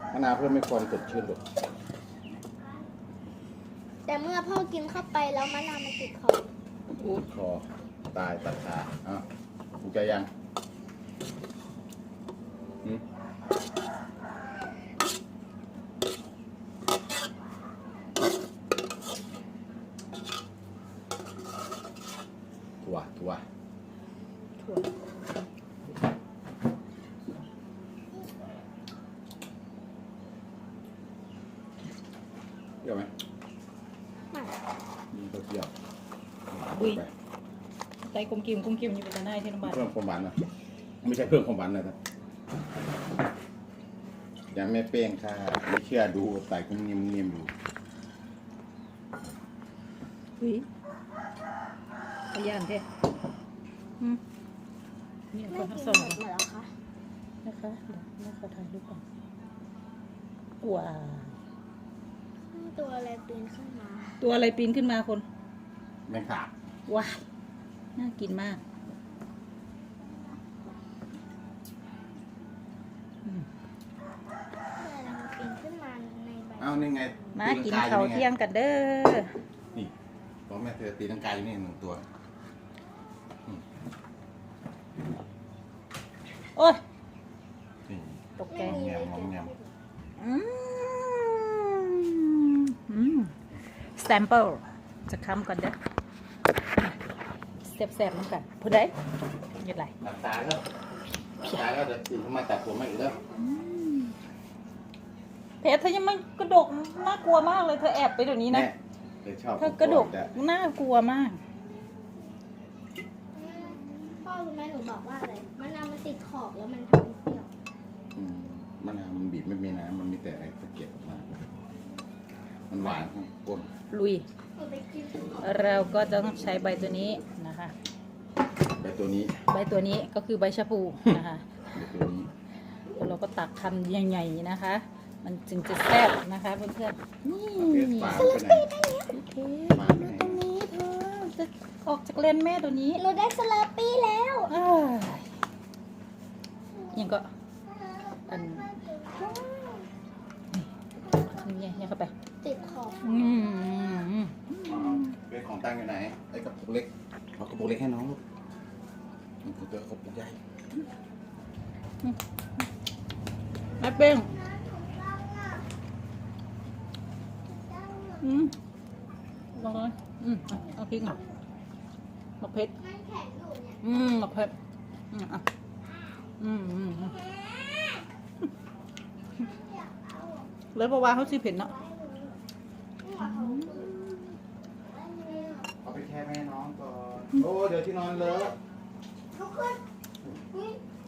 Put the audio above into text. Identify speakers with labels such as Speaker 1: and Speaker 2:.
Speaker 1: มะนาวเพื่อไม่ความสดชื่นหรอก
Speaker 2: แต่เมื่อพ่อกินเข้าไปแล้วมะนาวมันติดคอ
Speaker 1: อุดคอตายตัดขาถูกใจยังถั่วเปรี้ยวไหม
Speaker 2: ไม่
Speaker 1: มีเปรี้ยว
Speaker 3: อุ้ยใจกลมกิ่มอยู่เป็นตาหน้าที่น้ำบาด
Speaker 1: เพิ่มความหวานนะไม่ใช่เพิ่มความหวานนะครับยังไม่เป้งค่ะไม่เชื่อดูใส่กุ้งนิ่มๆอยู่
Speaker 3: อุ้ยขยันเท่นี่
Speaker 2: ไม่
Speaker 3: คนทั้
Speaker 2: กิ
Speaker 3: ง
Speaker 2: น
Speaker 3: สอง
Speaker 2: หมดเหรอคะ
Speaker 3: นะคะเดี๋ยวแม่ขอถ่ายรูปก่อนว้าว
Speaker 2: ตัวอะไรปีนขึ้นมา
Speaker 3: ตัวอะไรปีนขึ้นมาคน
Speaker 1: แมงสาบ
Speaker 3: ว้าวน่ากินมาก
Speaker 2: ตัวอะไรมันปีนขึ้นมาในใบ
Speaker 1: เอานี่ไง
Speaker 3: มากินข้าวเที่ยงกันเด้อ
Speaker 1: นี่เพราะแม่เธอตีลังกาอยู่นี่หนึ่งตัว
Speaker 3: โอ้ย
Speaker 1: นี่
Speaker 3: ตกใจ
Speaker 2: ไม่มีเลย
Speaker 1: งอมแงม
Speaker 3: สแตมเปิลจะค้ำก่อนเด้อแสบๆน้ำกันพูดได้ยังไง
Speaker 1: หลับตาแล้วเดี๋ยวตื่นขึ้นมาแต่ผมไม่อีกแล้ว
Speaker 3: เพชรเธอยังไม่กระดกน่ากลัวมากเลยเธอแอบไปเดี๋ยวนี้นะ
Speaker 1: เธอชอบ
Speaker 3: เธอกระดกน่ากลัวมาก
Speaker 2: พ่อรู้ไหมหนูบอกว่าอะไรมะนาวมันติดขอบแล้วมันทำให้เปรี้ยว
Speaker 1: มะนาวมันบีบไม่มีน้ำมันมีแต่ไอ้ตะเกียบออกมามันหวานข้างก้น
Speaker 3: ลุย
Speaker 2: หนูไปกิน
Speaker 3: เราก็จะต้องใช้ใบตัวนี้นะคะ
Speaker 1: ใบตัวนี้
Speaker 3: ใบตัวนี้ก็คือใบชะพูนะคะ
Speaker 1: ใบตัวนี้
Speaker 3: แล้วเราก็ตักคำใหญ่ๆนะคะ มันจึงจะแซ่บนะคะเพื่อนๆนี่
Speaker 1: เพชรฝาไปไหน
Speaker 3: โอเค
Speaker 1: ฝาไป
Speaker 3: ดู
Speaker 1: ไหน
Speaker 3: ตรงนี้เธอจะออกจากเลนแม่ตัวนี้
Speaker 2: หนูได้สลาปี้แล้ว
Speaker 3: อ้ายยังก็อันนี่เข้าไป
Speaker 2: ติดขอบ
Speaker 1: เป็นของตั้งอยู่ไหนไอ้กระปุกเล็กเอากระปุกเล็กให้น้องลูกมันคือตัวกระปุกใหญ่
Speaker 3: แม่เป้งลองเลยเอาพริกหน่อยมะเพ็ด
Speaker 2: มันแข็งอยู่เนี่ย
Speaker 3: มะเพ็ดเลยเพราะว่าเขาซื้อเผ็ดเนาะ
Speaker 1: เอาไปแค่แม่น้องก่อนโอ้เดี๋ยวที่นอนเลอะ
Speaker 2: ทุกคนนี่